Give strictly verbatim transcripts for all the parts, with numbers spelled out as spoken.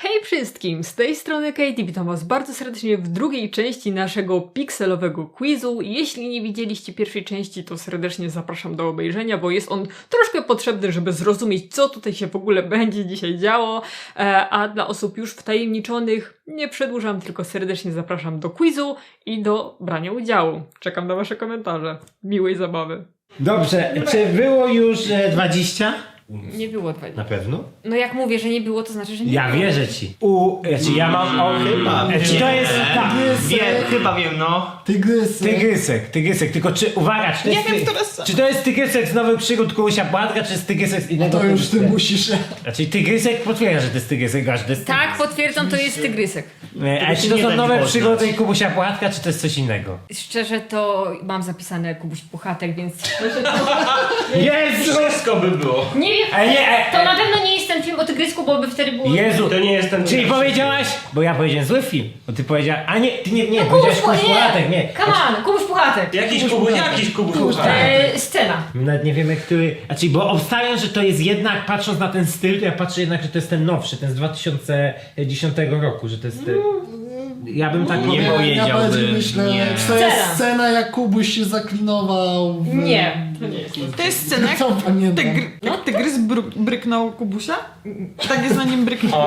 Hej wszystkim, z tej strony Katie, witam was bardzo serdecznie w drugiej części naszego pikselowego quizu. Jeśli nie widzieliście pierwszej części, to serdecznie zapraszam do obejrzenia, bo jest on troszkę potrzebny, żeby zrozumieć, co tutaj się w ogóle będzie dzisiaj działo. E, a dla osób już wtajemniczonych nie przedłużam, tylko serdecznie zapraszam do quizu i do brania udziału. Czekam na wasze komentarze. Miłej zabawy. Dobrze, czy było już e, dwadzieścia? Nie było dwadzieścia. Na pewno? No jak mówię, że nie było, to znaczy, że nie Ja było. wierzę ci. U, znaczy ja mam o, Chyba. e, Czy to jest tak? Wiem, chyba wiem, no. Tygrysy. Tygrysek, tygrysek, tylko czy, uwaga, czy to, Nie jest, wiem, ty- która z- czy to jest tygrysek z Nowych Przygód Kubusia Płatka, czy jest tygrysek z innego To już ty tygrysek? musisz. Znaczy tygrysek potwierdza, że to jest tygrysek, aż to jest Tak, potwierdzam, to jest tygrysek. tygrysek. A czy to nie są da Nowe mi Przygody poznać. Kubusia Płatka, czy to jest coś innego? Szczerze to mam zapisane Kubuś Puchatek, więc... Jezu! Wszystko by było. Nie wiem, E, nie, e, to na pewno nie jest ten film o tygrysku, bo by wtedy było... Jezu! To nie jest ten Czyli pierwszy. powiedziałaś, bo ja powiedziałem zły film, bo ty powiedziałaś, a nie, ty nie, nie, No powiedziałaś Kubuś, Kubuś nie! Płatek, nie. Come on, Kubuś Puchatek. Jakiś kubu, jakiś kubu. E, scena. My nawet nie wiemy, który. Znaczy, bo obstawiam, że to jest jednak, patrząc na ten styl, to ja patrzę jednak, że to jest ten nowszy, ten z dwa tysiące dziesiątego roku, że to jest. Ten... Ja bym tak Nie powiedział. Ja bardziej powiedziałbym, myślę, nie. czy to jest Scena. scena, jak Kubuś się zaklinował w... Nie, to nie jest. To jest scena, jak Co pamiętam? tygr, jak tygrys bru, bryknął Kubusia? Tak jest na nim bryknął.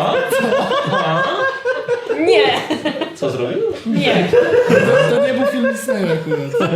Nie, Co zrobił? nie. To, to nie był film Disneya akurat.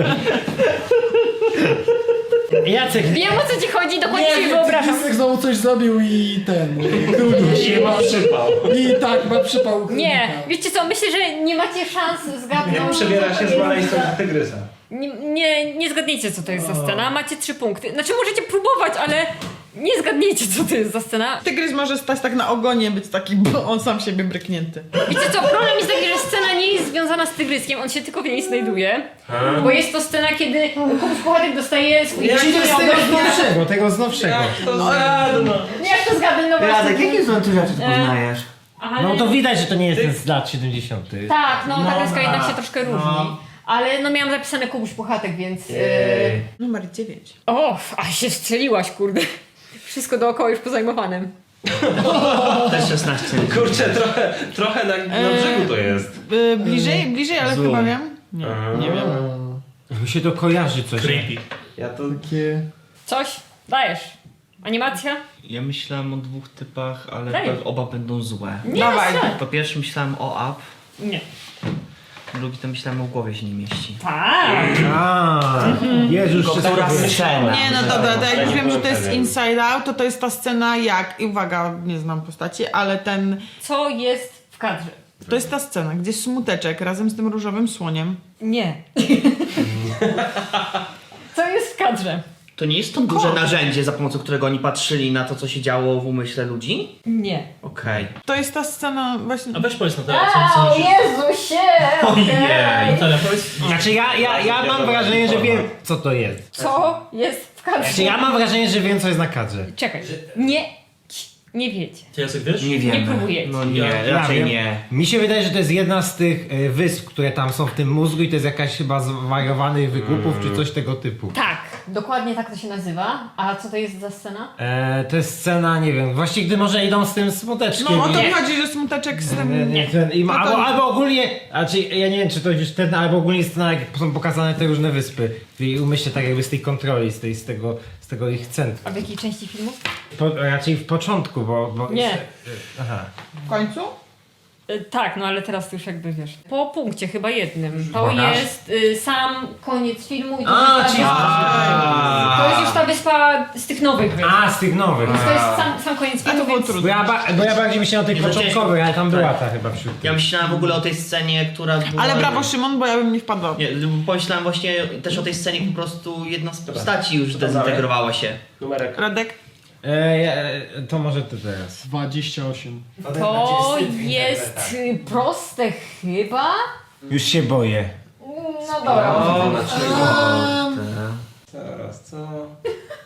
Jacek, Wiem, o co ci chodzi, dokładnie sobie wyobrażam. Tygrysek znowu coś zrobił i ten... i Królik. Nie ma przypał. I tak, ma przypał królika. Nie, wiecie co, myślę, że nie macie szans zgadnąć. Jak przebiera się z maleństwa do tygrysa. Nie, nie, nie zgadniecie, co to jest za scena, macie trzy punkty. Znaczy, możecie próbować, ale nie zgadniecie, co to jest za scena. Tygrys może stać tak na ogonie, być taki, bo on sam siebie bryknięty. Wiecie co, problem jest taki, że scena nie jest związana z tygryskiem, on się tylko w niej znajduje. Bo jest to scena, kiedy Kubuś Puchatek dostaje swój Czyli to jest tego ogon. nowszego, tego z nowszego. To no. Jak to zgadnę, no właśnie. Radek, jakie są tu rzeczy ty poznajesz? Ale... No to widać, że to nie jest ten z lat siedemdziesiątych. Tak, no, ta kreska jednak się troszkę różni. Ale no miałam zapisane Kubuś Puchatek, więc... Yy... Numer dziewięć. O, a się strzeliłaś, kurde. Wszystko dookoła już pozajmowane. Też szesnaście. Kurczę, trochę, trochę na, na brzegu to jest. Y, bliżej, bliżej, ale Zoom. chyba wiem. Nie, nie wiem. Mi się to kojarzy coś. Creepy. Ja to... Takie... Coś? Dajesz. Animacja? Ja myślałem o dwóch typach, ale Daj. pe- oba będą złe. Nie, Dawaj. no, Po pierwsze myślałem o Up, nie. drugi to myślałem o głowie się nie mieści. Tak. A, Jezus, wszystko Która wiem. scena? Nie, no dobra, to jak Ja już nie wiem, że byłem to jest pewien. Inside Out, to to jest ta scena jak, i uwaga, nie znam postaci, ale ten, Co jest w kadrze? to jest ta scena, gdzie Smuteczek razem z tym różowym słoniem. Nie. Co jest w kadrze? To nie jest to duże narzędzie, za pomocą którego oni patrzyli na to, co się działo w umyśle ludzi? Nie. Okej. To jest ta scena właśnie... A weź powiedz na teraz, A, o co Jezusie! okej. Natalia, powiedz. Znaczy ja, ja, ja mam wrażenie, że wiem, co to jest. Co jest w kadrze? Znaczy ja mam wrażenie, że wiem, co jest na kadrze. Czekaj. Nie. Nie wiecie. Ty Jacek wiesz? Nie wiemy. próbujecie. No nie, Ja- raczej wiem. nie. Mi się wydaje, że to jest jedna z tych e, wysp, które tam są w tym mózgu i to jest jakaś chyba zwariowanych wykupów czy coś tego typu. Tak, dokładnie tak to się nazywa. A co to jest za scena? E, to jest scena, nie wiem, właściwie gdy może idą z tym smuteczkiem. No o to i- mi chodzi, że Smuteczek z Nie, tym... nie, ten, i ma, No to- albo, albo ogólnie, znaczy ja nie wiem czy to już ten, albo ogólnie scena jak są pokazane te różne wyspy i umyślę tak jakby z tej kontroli, z, tej, z, tego, z tego ich centrum. A w jakiej części filmu? Po, raczej w początku, bo... bo Nie. Aha. W końcu? Y, tak, no ale teraz już jakby wiesz. Po punkcie chyba jednym. To Pokaż. jest y, sam koniec filmu i to, A, jest, ta czyli- wyspa, to jest już ta wyspa z tych nowych wysp. A, z tych nowych. Więc to jest sam, sam koniec A filmu, to było więc... trudne. Bo ja, ba, bo ja bardziej myślałem o tej Nie, to początkowej, ale tam była ta chyba wśród Ja tych. myślałem w ogóle o tej scenie, która była... Ale brawo Szymon, bo ja bym nie wpadła. Nie, pomyślałem właśnie też o tej scenie, po prostu jedna z postaci już dezintegrowała się. Numerek. Radek? E, ja, to może ty teraz. dwadzieścia osiem. To jest y, proste chyba? Już się boję. No dobra. O, Eee, Zaraz, co?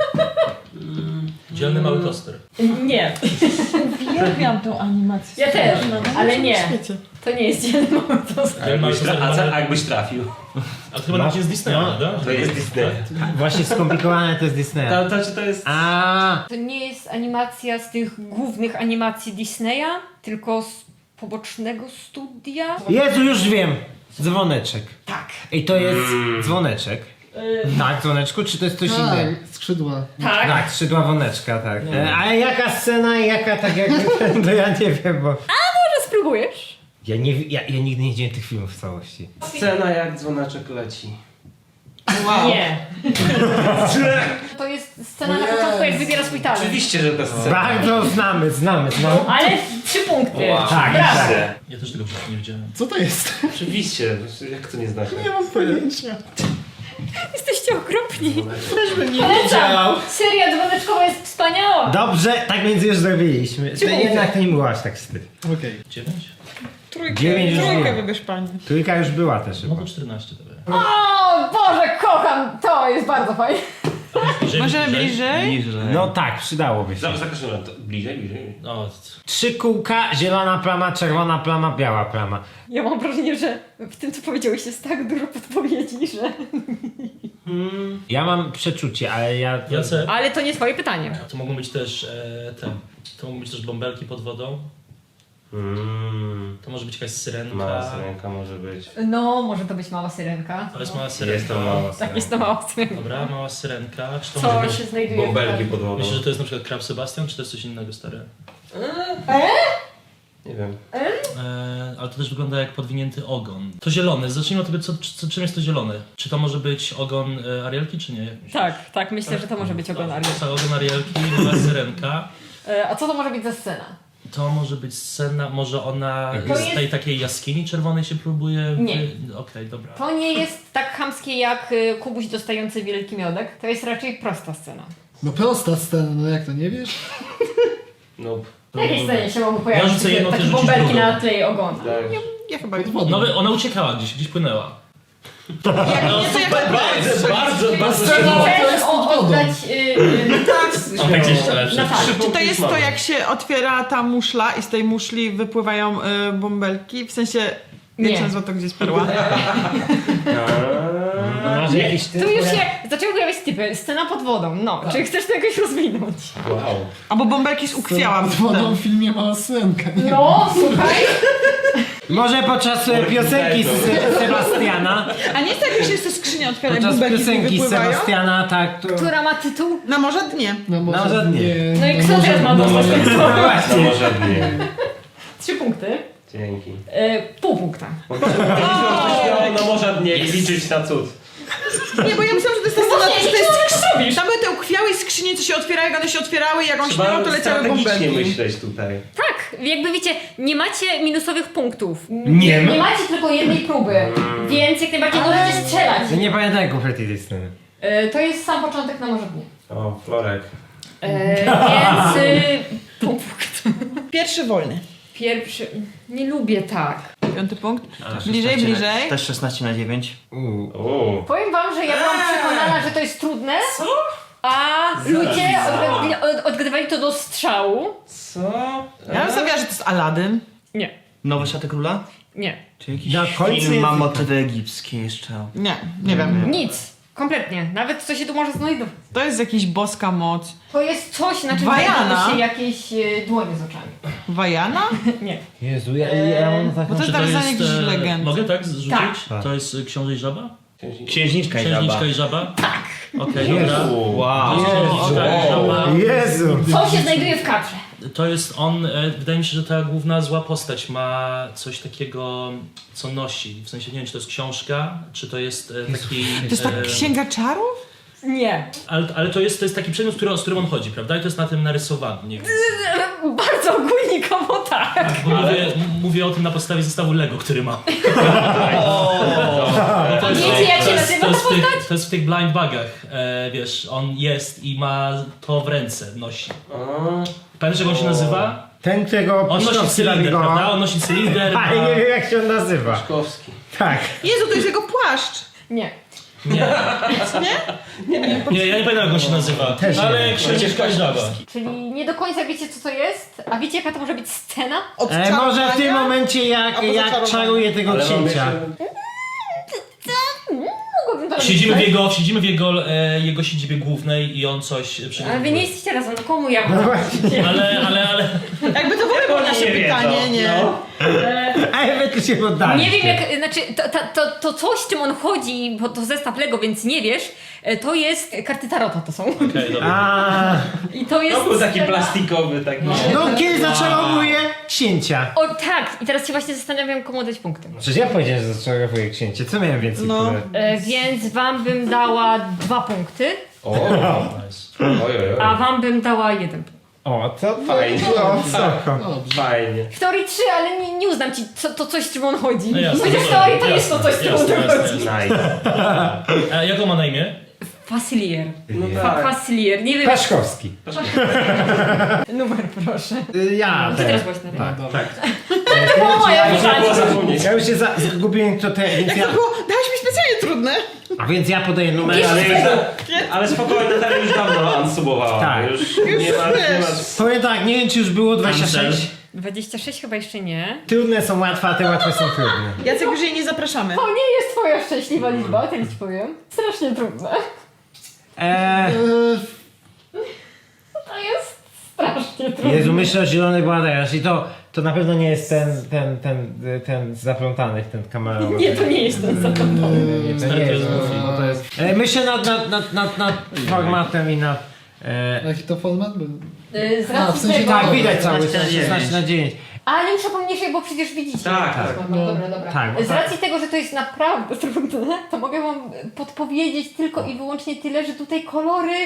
Dzielny mały toster. Nie, Uwielbiam tą animację. ja też, ale nie. W świecie. To nie jest dzielny mały toster. A jakbyś, tra- a, co, a jakbyś trafił? A to chyba nawet nie z Disneya, No. prawda? To jest Disney. Właśnie skomplikowane to jest Disneya. To, to, to jest... A, To nie jest animacja z tych głównych animacji Disneya, tylko z pobocznego studia. Jezu, już wiem! Dzwoneczek. Tak. I to jest dzwoneczek. Tak, dzwoneczku, czy to jest coś innego? Tak, skrzydła. Tak. Tak, skrzydła woneczka, tak. E, A jaka scena i jaka tak jak... To ja nie wiem, bo... Może spróbujesz? Ja, nie, ja, ja nigdy nie widziałem tych filmów w całości. Scena jak dzwoneczek leci. Wow. Nie. To jest scena na O początku, jak Jezu. wybiera swój talent. Oczywiście, że ta scena. Bardzo znamy, znamy, znamy. Ale trzy punkty. Wow. Tak, Brawo. Oczywiście. Ja też tego wcześniej nie widziałem. Co to jest? Oczywiście. Jak to nie znacie? Nie mam pojęcia. Jesteście okropni. Też bym nie Polecam. Seria dzwoneczkowa jest wspaniała. Dobrze, tak więc już zrobiliśmy. Trzy punkty. Jednak to nie było aż tak wstyd. Okej. Dziewięć? Trójkę, Dziewięć już trójkę było. wybierz pani. Trójka już była też chyba. No to czternaście to będzie. O Boże, kocham. To jest bardzo fajne. Bliżej, Możemy bliżej? No tak, przydałoby się. Za, za każdym razem. to Bliżej, bliżej. No, Trzy kółka, zielona plama, czerwona plama, biała plama. Ja mam wrażenie, że w tym, co powiedziałeś, jest tak dużo podpowiedzi, że... Ja mam przeczucie, ale ja... Jace, Ale to nie twoje pytanie. to mogą być też e, te, to mogą być też bąbelki pod wodą. Mm. To może być jakaś syrenka. Mała syrenka może być. No, może to być mała syrenka. To jest mała syrenka. Jest to mała Tak, syrenka. jest to mała syrenka. Dobra, mała syrenka. Czy to może Co być... się znajduje Bąbelki w pod wodą. Myślisz, że to jest na przykład Krab Sebastian, czy to jest coś innego, stary? Nie wiem. E, ale to też wygląda jak podwinięty ogon. To zielone, zacznijmy od tego, co, co, czym jest to zielone. Czy to może być ogon e, Arielki, czy nie? Tak, tak, myślę, że to może być ogon Ariel. To ogon Arielki, mała syrenka. E, A co to może być za scena? To może być scena, może ona To z jest- tej takiej jaskini czerwonej się próbuje... Nie. wy- Okej, dobra. To nie jest tak chamskie jak y, Kubuś dostający wielki miodek. To jest raczej prosta scena. No prosta scena, no jak to nie wiesz? Nope. W jakiej scenie się mogą Ja pojawić rzucę jedną, ty takie rzucisz bąbelki drugą. na tle jej ogona? Tak. Ja chyba Pod nie. wodą. No, wy- ona uciekała gdzieś, gdzieś płynęła. Jak nie, to jak Bardzo, bardzo, bardzo Czyli to chcesz jest pod o- wodą. oddać... Y, y, O, tak gdzieś to lepsze. na tak. Czy to jest to, jak się otwiera ta muszla i z tej muszli wypływają y, bąbelki? W sensie, jak Nie. się nazywa to, gdzie jest perła? Masz jakiś Tu już się zaczęły pojawiać typy. Scena pod wodą. No, czy chcesz to jakoś rozwinąć? Wow. Albo bąbelki z ukwiałam. Pod wodą w filmie mała syrenka. Nie. No, słuchaj. Może podczas e, piosenki z Se- Sebastiana, A nie jest tak, jak się te skrzynie otwiera i podczas bąbelki z nich piosenki z wypływają? Sebastiana, tak, to... Która ma tytuł? Na morze dnie. No może No, żadnie. nie. No i no kto może- teraz ma dostać ten No No właśnie. może nie. Trzy punkty. Dzięki. E, pół punkta. Powinniśmy śmiało na morza dnie i liczyć na cud. Nie, bo ja myślałam, że to jest ta scena, Właśnie, że to co jest... Tam były te ukwiałe skrzynie, co się otwierały, jak one się otwierały, jak on śpiewał, to Trzeba leciały strategicznie bąbelki. myśleć tutaj. Tak, jakby wiecie, nie macie minusowych punktów. Nie ma. Nie macie tylko jednej próby, więc jak najbardziej możecie strzelać. Ja nie pamiętam kompletnie tej sceny. E, to jest sam początek na morze dnie. O, Florek. E, więc y, pół punktu. Pierwszy wolny. Pierwszy. Nie lubię tak. Piąty punkt. Bliżej, bliżej. Też szesnaście na dziewięć. Uuu. O. Powiem wam, że ja byłam przekonana, że to jest trudne. Co? A ludzie odgadli, od, odgadywali to do strzału. Co? Ja bym stawiała, że to jest Aladdin. Nie, Nowe Szaty Króla? nie. Czy jakiś Na końcu film jest- ma motywy egipskie jeszcze? Nie, nie wiem. Nic. Kompletnie. Nawet co się tu może znajdować. To jest jakaś boska moc. To jest coś, na czym Wajana. znajdują się jakieś e, dłonie z oczami. Wajana? Nie. Jezu, ja, ja mam taką... Bo to jest nawiązanie jakiejś e, legendy. Mogę tak zrzucić? Tak. To jest y, Książę i Żaba? Księżniczka i żaba. Księżniczka i Żaba? Tak. Okej, Jezu. dobra. Wow. To jest Księżniczka i Żaba. Jezu! Co się znajduje w kadrze? To jest on, e, wydaje mi się, że ta główna zła postać ma coś takiego, co nosi. W sensie nie wiem, czy to jest książka, czy to jest e, taki... To jest tak e, księga czarów? Nie. Ale, ale to, jest, to jest taki przedmiot, który, z którym on chodzi, prawda? I to jest na tym narysowany. Nie wiem. Bardzo ogólnikowo tak. Bo mówię, m- mówię o tym na podstawie zestawu Lego, który mam. A wiecie jak się to, jest, nazywa to, ta jest w tych, postać? to jest w tych blind bagach, e, wiesz, on jest i ma to w ręce, nosi. O. Pamiętasz jak on się nazywa? Ten, którego On nosi Piszczowski cylinder, robi go- prawda? On nosi cylinder, ma... A, ja nie wiem jak się on nazywa. Szkowski. Tak. Jezu, to jest jego płaszcz. Nie. Nie. Nie? Nie, ja nie pamiętam jak on się nazywa. Też nie ale wiem. księżniczka żaba. Czyli nie do końca wiecie, co to jest? A wiecie, jaka to może być scena? E, może w tym momencie jak, Albo jak zaczarowania. czaruje tego Ale mamy księcia. jeszcze- Mogłabym to Siedzimy w robić, jego, siedzimy w jego, e, jego siedzibie głównej i on coś tak? przygotowuje. Ale wy nie jesteście razem, no komu ja? Ale, ale, ale... Jakby to w ogóle było Oni nasze nie wiedzą, pytanie, nie? no. A wy tu się poddaliście. Nie wiem jak, znaczy to, to, to, to coś, czym on chodzi, bo to zestaw Lego, więc nie wiesz, e, to jest karty Tarota to są. Okej, dobra. A, I to jest To był taki scena- plastikowy, taki... no kiedy zaczarowuje księcia. O tak, i teraz się właśnie zastanawiam, komu dać punkty. Przecież ja powiedziałem, że zaczarowuje księcie. Co miałem więcej? No. które- E, więc wam bym dała dwa punkty, O, Nice. oj, oj, a oj. wam bym dała jeden punkt. O, to Fajnie. O, wysoko. Dobrze. Fajnie. W teorii trzy, ale nie, nie uznam ci co, to coś, czym on chodzi. No jasne, Chociaż w dobra, teorii to jest to jasne, coś, czym jasne, on jasne, chodzi. jasne. Nice. A jak on ma na imię? Facilier. No Fa tak. Facilier, nie wiem. Paszkowski. Numer proszę. Y, Ja Ty ten. teraz właśnie na Tak. Dobra. To było moja Można było pytanie. zapomnieć. Ja już się za- zgubiłem kto te, więc Jak ja, to było? Dałeś mi specjalnie trudne. a więc ja podaję numer. Jeszcze Ale Ale, już da, ale spokojnie, Natalia już dawno unsubowała. Tak. Już, Już nie ma, nie ma... wiesz. powiem tak, nie wiem czy już było dwadzieścia sześć. dwadzieścia sześć chyba jeszcze nie. Trudne są łatwe, a te łatwe są trudne. Jacek, już jej nie zapraszamy. To nie jest twoja szczęśliwa liczba, tyle ci powiem. Strasznie trudne. Eee, E, To jest strasznie trudne. Jezu, myślę o zielonych bladerasz i to, to na pewno nie jest ten, ten, ten, ten zaplątany, ten kamerowy. Nie, to nie jest ten zakończony. Nie, to nie jest, bo to jest... E, myślę nad, nad, nad, nad, nad formatem i nad... E, jaki to format był? Y, Z A, w racji sensie tego... tak, widać cały szesnaście na szesnaście na dziewięć. Ale muszę pomniejszej, bo przecież widzicie. Tak, tak. No, dobra, dobra. Tak, bo Z tak. racji tego, że to jest naprawdę trudne, to mogę wam podpowiedzieć tylko i wyłącznie tyle, że tutaj kolory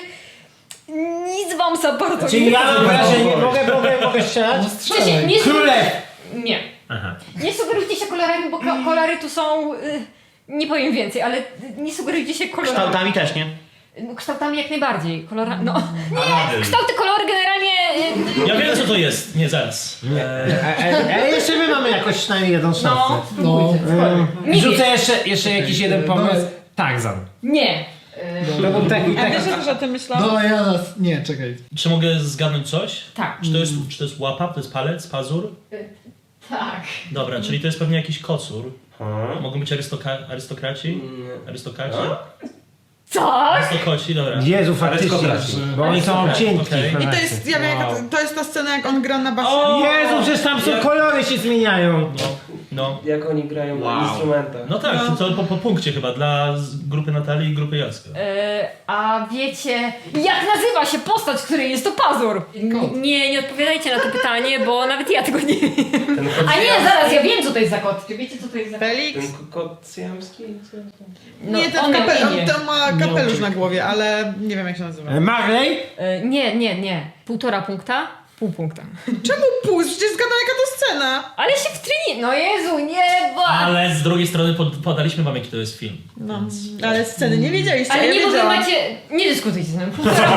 nic wam za bardzo Czyli nie ja mam mówią. wrażenie, mogę, mogę, mogę strzelać? No W sensie, strzelaj. nie, Królew! nie. Aha. Nie sugerujcie się kolorami, bo ko- kolory tu są... Y, nie powiem więcej, ale nie sugerujcie się kolorami. Kształtami też, nie? No, kształtami jak najbardziej. Kolora... No. Nie, kształty kolory generalnie... y, Ja wiem co to jest. Nie, zaraz. Nie. E, e, e, jeszcze my mamy jakoś przynajmniej jedną szansę. No, spróbujcie. Mm, Nie Rzucę wiem. jeszcze, jeszcze jakiś jeden pomysł. Tarzan. Nie. Y, To był taki, A taki, wiesz, że też o tym myślałam? No ja nas... Nie, czekaj. Czy mogę zgadnąć coś? tak. Czy to jest, czy to jest łapa, to jest palec, pazur? Tak. Dobra, czyli to jest pewnie jakiś kocur. Hmm. Mogą być arystoka- arystokraci? Arystokraci? Tak? Arystokoci, dobra. Jezu, faktycznie. Arystokraci. Bo oni są Okej, cienki. okej. I to jest, ja wiem, jaka to, to jest ta scena, jak on gra na basie. Jezu, przecież tam są kolory się zmieniają. No, no. Jak oni grają Wow. na instrumentach. No tak, to po, po punkcie chyba dla z- grupy Natalii i grupy Jacka. E, a wiecie, jak nazywa się postać, której jest to pazur? N- nie, nie odpowiadajcie na to pytanie, bo nawet ja tego nie wiem. Ten kot A nie, zaraz, ja wiem, co to jest za kot. Czy wiecie, co to jest za kot? Felix? Ten kot syjamski? No, nie, ten on miał kape, imię. on, to ma kapelusz na głowie, ale nie wiem jak się nazywa. E, Marley? E, nie, nie, nie. Półtora punkta, pół punkta. Czemu pół? Przecież zgadnę jaka to scena. Ale się wtryni... No Jezu, nie, bo... Ale z drugiej strony pod, podaliśmy wam jaki to jest film. No, ale sceny nie wiedzieliście, Ale ja nie, bo wy wiedziałam. macie... Nie dyskutujcie z nami. Półtora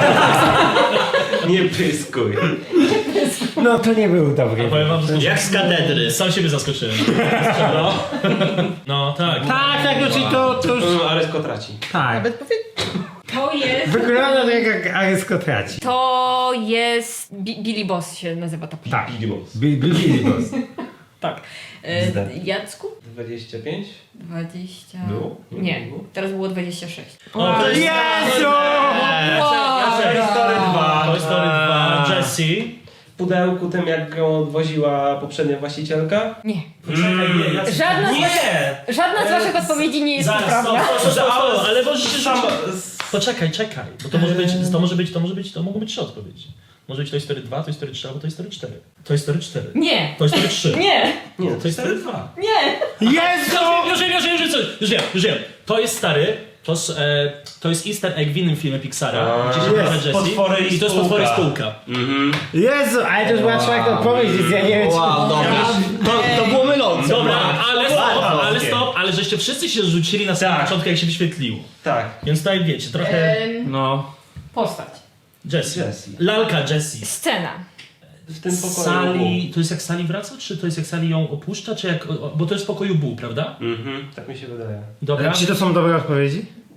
Nie pyskuj. No to nie był dobry. Powiem wam, że Jak z katedry. sam siebie zaskoczyłem. No, no tak. Tak, tak, no czyli to, to już... Mm, ale sko traci. Tak. Nawet powie... To jest... Wygląda to jak arystokraci. To jest... Bi- Billy Boss się nazywa ta postać. Tak. Billy Boss. Bi- Bi- Billy Boss. Tak. E, Zda. Jacku? dwadzieścia pięć? dwadzieścia... Było? Nie, teraz było dwadzieścia sześć. O, to jest... Jezu! Toy Story dwa. Toy Story dwa, Jessie. W pudełku tym jak ją odwoziła poprzednia właścicielka. Nie. Poczekaj, nie, ja... Żadna z, Nie! waszych, żadna z waszych odpowiedzi nie jest Zaraz, stop, poprawna. stop, stop, stop, stop, ale możecie Sam, rzucić... Poczekaj, czekaj, bo to może być, to może być, to może być, to mogą być trzy odpowiedzi. Może być Toy Story dwa, Toy Story trzy albo Toy Story cztery. Toy Story cztery. Nie. Toy Story trzy. Nie. nie, Toy Story dwa. Nie. Jezu! Już wiem, już wiem, już wiem, już wiem, już wiem. To jest stary, to jest, e, to jest easter egg w innym filmie Pixara, A, gdzie się pojawia jest. Jessie. Potwory i I to jest spółka. potwory spółka. Mhm. Jezu, ale to już była trzeba to powiedzieć, ja nie wiem czy... Wow, dobra. To, to było mylące. Dobra, ale stop, Wow. ale stop, ale żeście wszyscy się rzucili na samym Tak. początku, jak się wyświetliło. Tak. Więc tutaj wiecie, trochę... Em, No. postać. Jessie. Jessie. Lalka Jessie. Scena. W tym pokoju. Sali, to jest jak Sali wraca, czy to jest jak Sali ją opuszcza, czy jak... Bo to jest w pokoju Boo, prawda? Mhm, tak mi się wydaje. Dobra. Czy to są dobre odpowiedzi?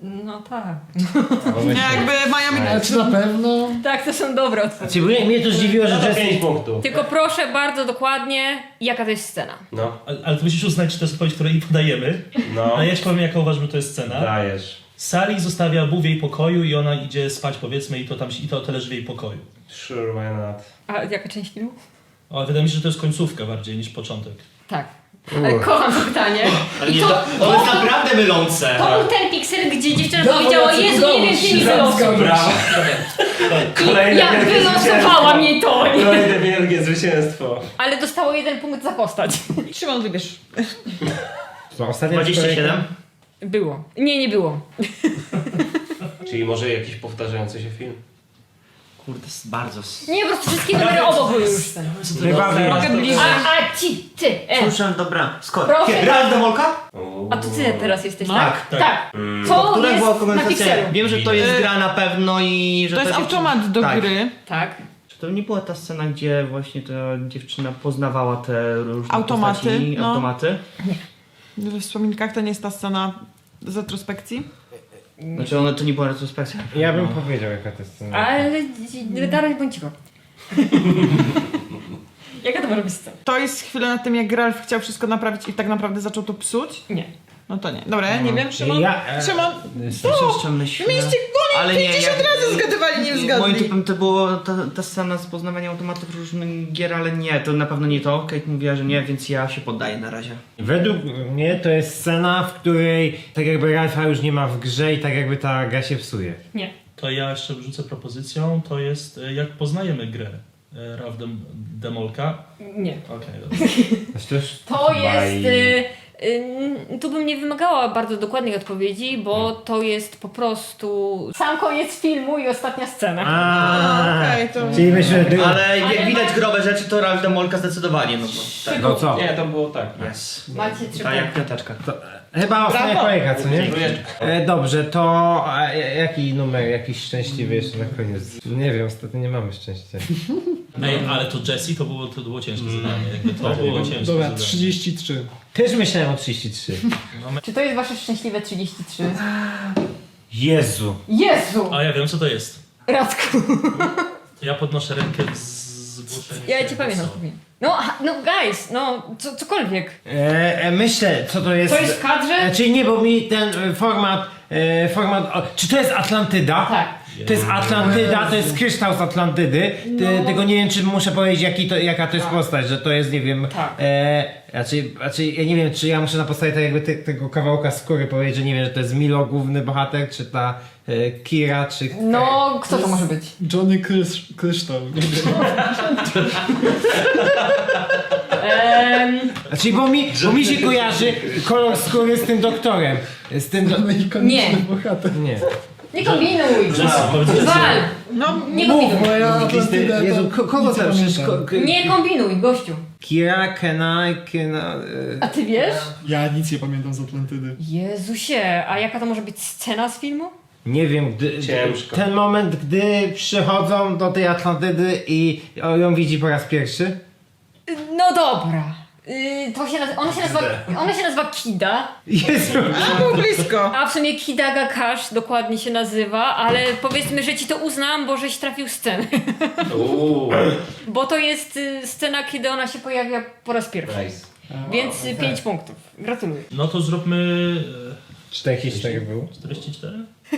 No tak. Nie, jakby mają... Ale czy na pewno? Tak, to są dobre odpowiedzi. Znaczy, mnie, mnie to zdziwiło, że No to Jessie... pięć punktów. Tylko proszę bardzo dokładnie, jaka to jest scena. No, Ale, ale ty musisz uznać, czy to jest odpowiedź, której podajemy. no. A ja ci powiem, jaka uważam, że to jest scena. Dajesz. Sally zostawia Boo w jej pokoju i ona idzie spać, powiedzmy, i to tam i to, to leży w jej pokoju. Sure, why not? A jaka część filmu? O, wydaje mi się, że to jest końcówka bardziej niż początek. Tak. Ale kocham to pytanie. Ale I nie, to, to, to jest naprawdę mylące. to był ten piksel, gdzie dziewczyna Brawo, powiedziała, Jacek, Jezu, udało nie wiem, ci gdzie mi się, wylosuj. zgadza. Brawo. I Kolejne jak wielkie wylosowała zwycięstwo. mnie to. nie? Kolejne wielkie zwycięstwo. Ale dostało jeden punkt za postać. Szymon, wybierz. To ostatnia dwadzieścia siedem? Było. Nie, nie było. Czyli może jakiś powtarzający się film? Kurde, jest bardzo... s- Nie, po prostu wszystkie numery obok były już. Chyba wiem. A, a ci, ty, e. Słyszałem, dobra, skoro. Proszę. Raz demolka? A to ty teraz jesteś, No. tak? Tak, Tak. Mm. To Która jest była na konwersacja? pikselu. Wiem, że to jest Y, gra na pewno i że To jest ta dziewczyna- automat do tak. gry. Tak. Czy to nie była ta scena, gdzie właśnie ta dziewczyna poznawała te różne Automaty, postaci, no. automaty? We wspominkach to nie jest ta scena z retrospekcji. Znaczy one to nie była retrospekcja. Ja bym powiedział, jaka to jest scena. Ale dalej bądź cicho. Jaka to może być scena? To jest chwilę na tym, jak Ralph chciał wszystko naprawić i tak naprawdę zaczął to psuć. Nie. No to nie. Dobra, ja nie wiem, Szymon. Ja, e, Szymon, Jeszcze myślę... mieliście Ale nie, pięćdziesiąt ja- razy zgadywali, nie Moim zgadli. typem to było ta, ta scena z poznawaniem automatów różnych gier, ale nie, to na pewno nie to. Kate mówiła, że nie, więc ja się poddaję na razie. Według mnie to jest scena, w której tak jakby Ralfa już nie ma w grze i tak jakby ta gra się psuje. Nie. To ja jeszcze wrzucę propozycją, to jest e, jak poznajemy grę. E, Ralph Dem Demolka. Nie. Okej, dobra. Znaczy to, już... To jest... Bye. Y, y, tu bym nie wymagała bardzo dokładnej odpowiedzi, bo to jest po prostu sam koniec filmu i ostatnia scena. A, Okej, to- Czyli myślę, że... Ale jak Ale widać ma- grobe rzeczy, to Ralph Demolka zdecydowanie, no bo tak. No co? Nie, to było tak. Yes. Macie trzy Tak jak punkty. piąteczka. To, chyba ostatnia Brawo. kolejka, co nie? Dziękuję. E, dobrze, to a, jaki numer, jakiś szczęśliwy jeszcze na koniec? Nie wiem, ostatnio nie mamy szczęścia. Ej, ale to Jessie to było, to było ciężkie zadanie. Jakby to było ciężkie Dobra, zadanie. trzydzieści trzy. Też myślałem o trzydzieści trzy. Czy to jest wasze szczęśliwe trzydzieści trzy? Jezu. Jezu! A ja wiem, co to jest. Radku. Ja podnoszę rękę w zgłoszeniu. Ja cię pamiętam. No, ha- no guys, no co, cokolwiek. E, e, myślę, co to jest... To jest w kadrze? E, czyli nie, bo mi ten e, format... E, format o, czy to jest Atlantyda? Tak. To jest Atlantyda, to jest kryształ z Atlantydy. Ty, No. Tylko nie wiem, czy muszę powiedzieć, jaki to, jaka to jest Tak. postać, że to jest, nie wiem... Tak. E, raczej, raczej, ja nie wiem, czy ja muszę na podstawie tak jakby te, tego kawałka skóry powiedzieć, że nie wiem, że to jest Milo główny bohater, czy ta e, Kira, czy... No, kto to może być? Johnny Krysz, Kryształ. Nie wiem. Ehm, Znaczy, bo mi, bo mi się kojarzy kolor skóry z tym doktorem. Z tym... Do... No i konieczny Nie. bohater. Nie. nie kombinuj! Jessie, powiedz Jessie. Wal! No, Nie Mów, kombinuj! bo ja Atlantydę to Jezu, ko- kogo nic nie tam przecież... pamiętam. Ko, ko, Nie kombinuj, gościu. Kira, Kenai, Kena... E, A ty wiesz? Ja nic nie pamiętam z Atlantydy. Jezusie, a jaka to może być scena z filmu? Nie wiem, gdy, Ciężko. ten moment, gdy przychodzą do tej Atlantydy i ją widzi po raz pierwszy. No dobra. Yy, to się nazywa, ona, się nazywa, ona się nazywa Kida, Jezu. a było blisko. a w sumie Kida Gakash dokładnie się nazywa, ale powiedzmy, że ci to uznam, bo żeś trafił scenę. Uuu, Bo to jest y, scena, kiedy ona się pojawia po raz pierwszy. nice. Więc y, pięć punktów. Gratuluję. No to zróbmy czterdzieści cztery było. e, czterdzieści cztery?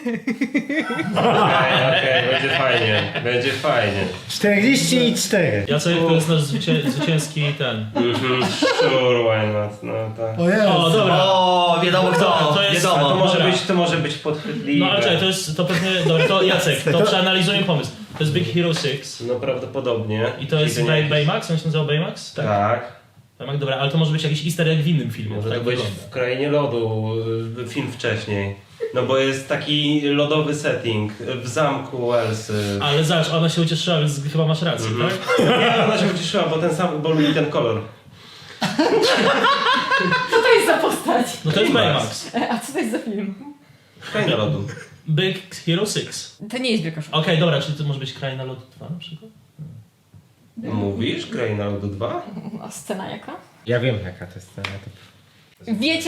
Okej, okej, będzie fajnie, będzie fajnie. czterdzieści cztery. Jacek to jest nasz zwycię zwycięski ten. Mhm, sure, why not, no tak. O jest. O, dobra. O, wiadomo kto, To jest- A to wiadomo. może Dobra. być, to może być podchwytliwe. No ale czekaj, to jest, to pewnie, dobra, to Jacek, to przeanalizujmy pomysł. To jest Big Hero six No prawdopodobnie. i to jest Czyli Bay, nie- Baymax, on się nazywał Baymax? Tak. Baymax, dobra, ale to może być jakiś easter egg w innym filmie, Może tak to być wygląda. w Krainie Lodu, y, film wcześniej. No bo jest taki lodowy setting w zamku Elsy. Ale zobacz, ona się ucieszyła, więc chyba masz rację, Mhm. tak? Nie, ona się ucieszyła, bo ten sam, bo lubi ten kolor. Co to jest za postać? No to jest Baymax. Baymax. A co to jest za film? Kraina Lodu. Big Hero six. To nie jest Wielka Szkoła. Okej, dobra, czyli to może być Kraina Lodu dwa na przykład? Mówisz? Kraina Lodu dwa? A scena jaka? Ja wiem, jaka to jest scena. To... Wiecie,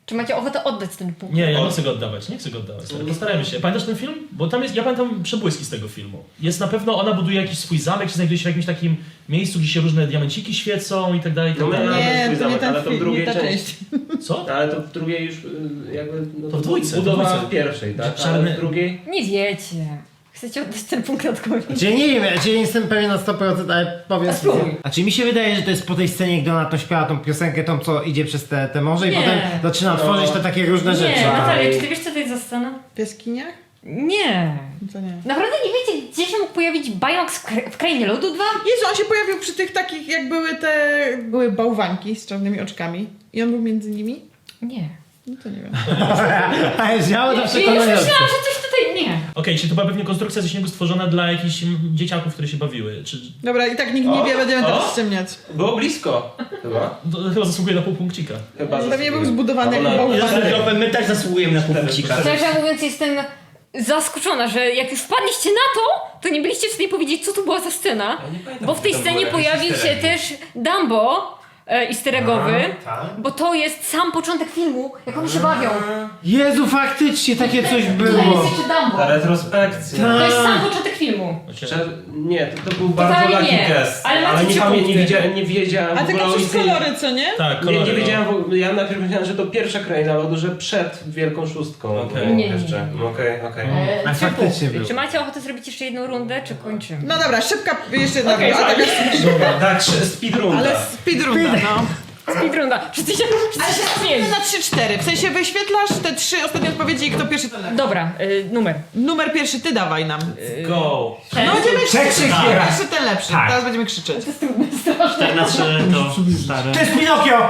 Czy macie ochotę oddać ten punkt? Nie, ja nie chcę go oddawać, nie chcę go oddawać. Stary. Postarajmy się. Pamiętasz ten film? Bo tam jest, ja pamiętam przebłyski z tego filmu. Jest na pewno, ona buduje jakiś swój zamek, czy znajduje się w jakimś takim miejscu, gdzie się różne diamenciki świecą i tak dalej, i tak No my- dalej. Nie, swój to nie zamek, ten ale to w film, drugiej nie ta części. część. Co? Ale to w drugiej już y, jakby... No To w dwójce, Budowa w dwójce. w pierwszej, tak? Czarny- Ale w drugiej... Nie wiecie. Chcecie oddać ten punkt Radkowi? Znaczy nie wiem, znaczy nie jestem pewien na sto procent, ale powiem... A spróbuj. Znaczy mi się wydaje, że to jest po tej scenie, gdy ona to śpiewa tą piosenkę, tą co idzie przez te, te morze i Nie. potem zaczyna tworzyć te takie różne rzeczy. Nie, Natalia, czy ty wiesz co to jest za scena? W jaskiniach? Nie. To nie. Naprawdę nie wiecie, gdzie się mógł pojawić Bajok w kra- w Krainie Lodu dwa? Jezu, on się pojawił przy tych takich, jak były te... Były bałwanki z czarnymi oczkami. I on był między nimi? Nie. No to nie wiem. Ale działo to Ja już przekonujące. myślałam, że coś tutaj nie. Okej, czyli to była pewnie konstrukcja ze śniegu stworzona dla jakichś mm, dzieciaków, które się bawiły. Czy Dobra, i tak nikt nie O, wie, będziemy o. teraz ściemniać. Było blisko, chyba. to chyba zasługuje na pół punkcika. Chyba Pewnie był zasługuje. zbudowany A jak ona- bałwan. My też zasługujemy na pół punkcika. Szczerze mówiąc, jestem zaskoczona, że jak już wpadliście na to, to nie byliście w stanie powiedzieć, co to była za scena. Ja nie pamiętam, Bo w tej czy tam scenie było jakieś pojawił się easter eggi. też Dumbo e, easter eggowy, tak. bo to jest sam początek filmu, jak oni się bawią. Jezu, faktycznie takie coś Tutaj było. jest jeszcze Dumbo. Ta retrospekcja. To jest sam początek filmu. Szczerze, nie, to, to był bardzo Totalnie lucky nie, gest. ale macie ale nie, trzy pamię- nie, punkty. wiedziałem, nie wiedziałem A w ogóle tylko o przez istnieniu. kolory, co nie? Tak, Nie, kolory, nie no. wiedziałem, w ogóle- ja najpierw myślałem, że to pierwsza kraina lodu, że przed Wielką Szóstką. Okej. było Nie, nie, jeszcze. nie. Okej, okej. E, A trzy faktycznie punkty. było. Czy macie ochotę zrobić jeszcze jedną rundę, czy kończymy? No dobra, szybka, jeszcze jedna Okej, okay, a taka Dobra, tak, speedrunda. ale speedrunda, no. Speedrunda. Wszyscy się, wszyscy się śmieją. Na trzy cztery, w sensie wyświetlasz te trzy ostatnie odpowiedzi i kto pierwszy to lepiej. Dobra, y, numer. Numer pierwszy ty dawaj nam. Go! No będziemy krzyczeć, Tak. pierwszy ten lepszy, Tak. teraz będziemy krzyczeć. cztery na trzy to stare. To jest Pinokio!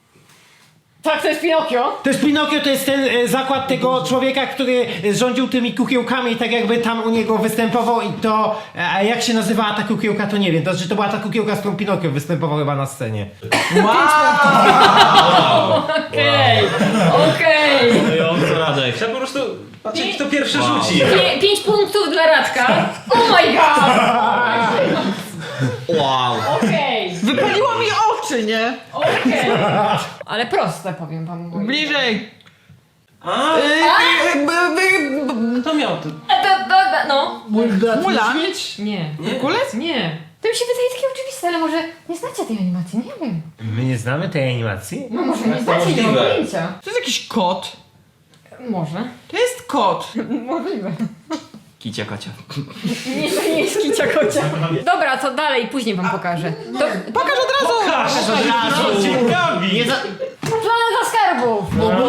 Tak, to jest Pinokio. To jest Pinokio, to jest ten e, zakład tego człowieka, który e, rządził tymi kukiełkami i tak jakby tam u niego występował i to, e, a jak się nazywała ta kukiełka, to nie wiem, to znaczy to była ta kukiełka, z którą Pinokio występował chyba na scenie. Okej, okej. Mówiąco Radek. Chciałem po prostu patrzeć, kto pierwszy rzuci. Pię- Pięć punktów dla Radka. Oh my god! Wow. Okej, Wypaliło mi oczy, nie? okej. Ale proste, powiem wam. moi. Bliżej. A, Yy, yy, b- b- b- kto miał to? E, da, da, da, No. Mula? Nie. Kulec? Nie. To mi się wydaje takie oczywiste, ale może nie znacie tej animacji, nie wiem. My nie znamy tej animacji? No może nie znacie, nie mam możliwe. pojęcia. To jest jakiś kot. Może. To jest kot. Możliwe. Kicia kocia. Nie, to nie jest kicia kocia. Dobra, to dalej, później wam pokażę. To Pokaż od razu. Pokaż od razu! Ciekawi! Nie za... Planeta Skarbów!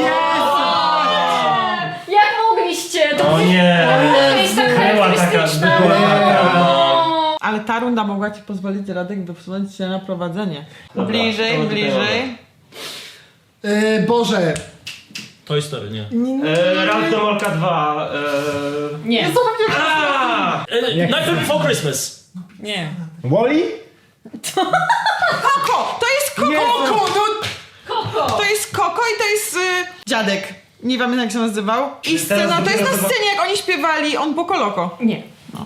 Jak mogliście? To O nie! to jest tak Była taka, charakterystyczna. była taka. Ale ta runda mogła ci pozwolić, Radek, wysunąć się na prowadzenie. Dobra, bliżej, to bliżej. E, Boże, Toy Story, nie. E, Ralph Domolka dwa. E... Nie, A! E, Nightmare Before Christmas! nie. Wally? Koko! To jest koko! Jezu. Koko! No, Koko! to jest koko i to jest y, dziadek. Nie pamiętam jak się nazywał. I Czyli scena, teraz to jest na dopiero scenie jak oni śpiewali On Poco Loco. Nie.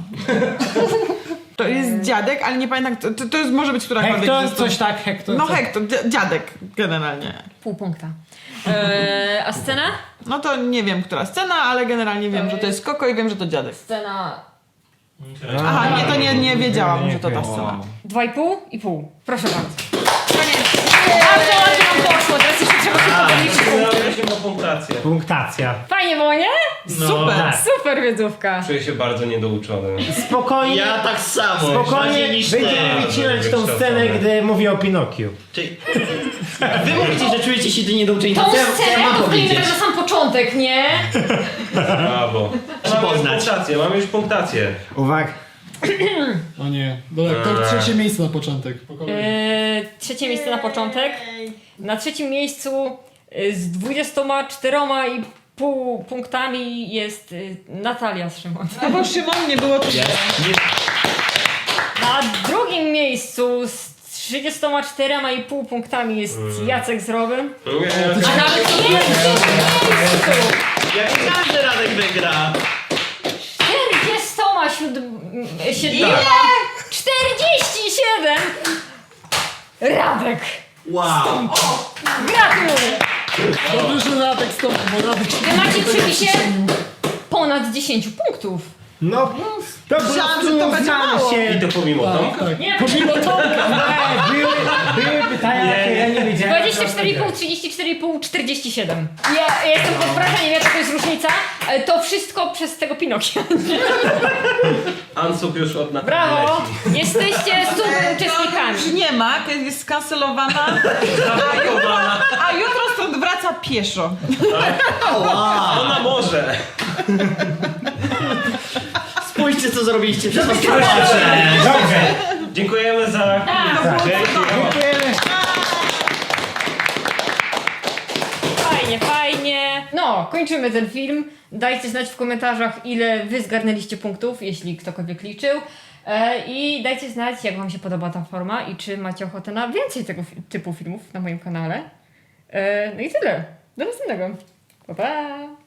To jest dziadek, ale nie pamiętam, kto- to, to jest, może być którakolwiek Hektor, ze stu- coś tak, Hektor. No coś- Hektor, dzia- dziadek generalnie. Pół punkta. Eee, a scena? No to nie wiem, która scena, ale generalnie wiem, że to jest koko i wiem, że to dziadek. Scena Aha, nie, to nie, nie wiedziałam, że to ta Wow. scena. dwa i pół i pół. Proszę bardzo. Koniec. Bardzo ładnie nam poszło, teraz jeszcze trzeba się podliczyć punkty. Mieliśmy o punktację. Punktacja. Fajnie było, nie? Super! tak. Super wiedzówka. Czuję się bardzo niedouczony. Spokojnie, Ja tak samo. spokojnie Bardziej niż będziemy ty. wycinać tą Wykształcony. scenę, gdy mówi o Pinokiu. Czyli... Wy mówicie, że czujecie się niedouczeni. Tą Co ja, co ja scenę mam to wklejmy powiedzieć? tak na sam początek, nie? Brawo. Mamy już Poznać. punktację, mamy już punktację. Uwaga. o nie. Dobra, to trzecie miejsce na początek. Po kolei. Eee, trzecie miejsce na początek. Na trzecim miejscu e, z dwudziestoma czteroma i pół punktami jest e, Natalia Szymon. No bo Szymon nie było to. Na drugim miejscu z trzydziestoma czterema i pół punktami jest Jacek z Robem. A nawet w pierwszym miejscu Ja wiedziałem, że Radek wygra. czterdziestoma siedmioma czterdzieści siedem Radek! Wow. Gratuluję! Dobrze, że Radek stąd, bo Radek się Wy macie przy tego pisie przyczynił. ponad dziesięć punktów. No, to po Myślałam, prostu że to będzie znamy mało. się. I to pomimo Tak, Tomka. tak. Nie. Pomimo Tomka. Nie, były, były pytania, Nie, jakie ja nie wiedziałem. dwadzieścia cztery i pół, trzydzieści cztery i pół, czterdzieści siedem. Ja jestem pod wrażeniem, jaka to jest różnica. ale To wszystko przez tego Pinokia. Ansub już od naprawdę Brawo! leci. Jesteście super uczestnikami. Już nie ma, kiedy jest skancelowana, Zablokowana. a jutro stąd wraca pieszo. Ona może. Spójrzcie, co zrobiliście przez was. Dobrze. Dziękujemy za... Tak. Dzięki. Dziękujemy. Fajnie, fajnie. No, kończymy ten film. Dajcie znać w komentarzach, ile wy zgarnęliście punktów, jeśli ktokolwiek liczył. E, I dajcie znać, jak wam się podoba ta forma i czy macie ochotę na więcej tego fi- typu filmów na moim kanale. E, no i tyle. Do następnego. Pa, pa!